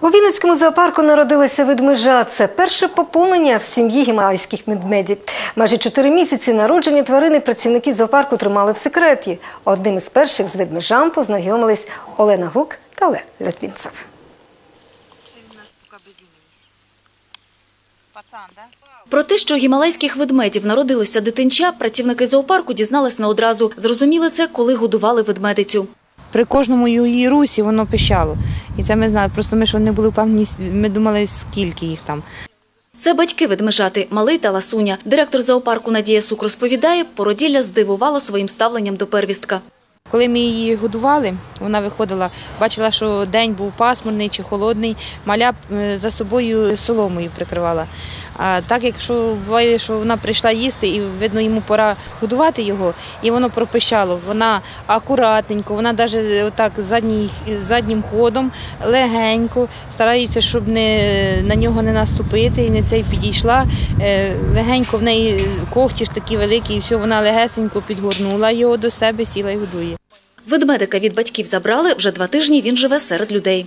У Вінницькому зоопарку народилася ведмежа. Це перше поповнення в сім'ї гімалайських ведмедів. Майже 4 місяці народження тварини працівники зоопарку тримали в секреті. Одним із перших з ведмежам познайомились Олена Гук та Олег Литвинцев. Про те, що у гімалайських ведмедів народилося дитинча, працівники зоопарку дізнались не одразу. Зрозуміли це, коли годували ведмедицю. При кожному її русі воно пищало. І це ми знали. Просто ми, що не були впевнені, ми думали, скільки їх там. Це батьки ведмежати Малий та Ласуня. Директор зоопарку Надія Сук розповідає, породілля здивувало своїм ставленням до первістка. Коли ми її годували, вона виходила, бачила, що день був пасмурний чи холодний, маля за собою соломою прикривала. А так, якщо буває, що вона прийшла їсти і, видно, йому пора годувати його, і воно пропищало. Вона акуратненько, вона навіть отак заднім ходом, легенько, старається, щоб на нього не наступити, і не цей підійшла. Легенько в неї когті ж такі великі, і все, вона легесенько підгорнула його до себе, сіла і годує. Ведмедика від батьків забрали, вже 2 тижні він живе серед людей.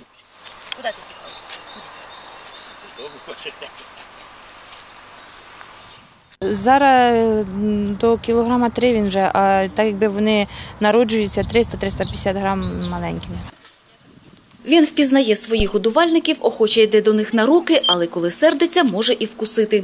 Зараз до кілограма 3 він вже, а так якби вони народжуються 300-350 грам маленькими. Він впізнає своїх годувальників, охоче йде до них на руки, але коли сердиться, може і вкусити.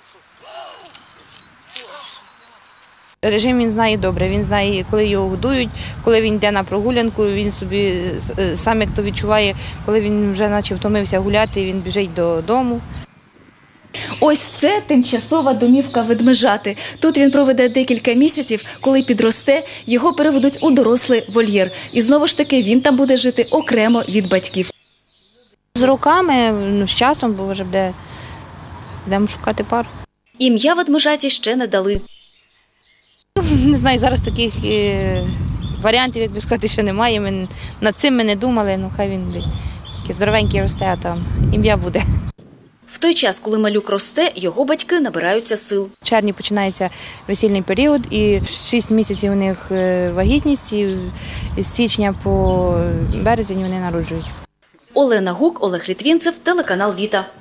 Режим він знає добре, він знає, коли його годують, коли він йде на прогулянку, він собі сам як то відчуває, коли він вже наче втомився гуляти, він біжить додому. Ось це тимчасова домівка ведмежати. Тут він проведе декілька місяців, коли підросте, його переведуть у дорослий вольєр. І знову ж таки він там буде жити окремо від батьків. З роками, з часом, бо вже будемо шукати пару. Ім'я ведмежаті ще не дали. Не знаю, зараз таких варіантів, як би сказати, ще немає. Над цим ми не думали, ну хай він такий здоровенький росте, а там ім'я буде. В той час, коли малюк росте, його батьки набираються сил. В червні починається весільний період, і 6 місяців у них вагітність, і з січня по березень вони народжують. Олена Гук, Олег Литвинцев, телеканал «Віта».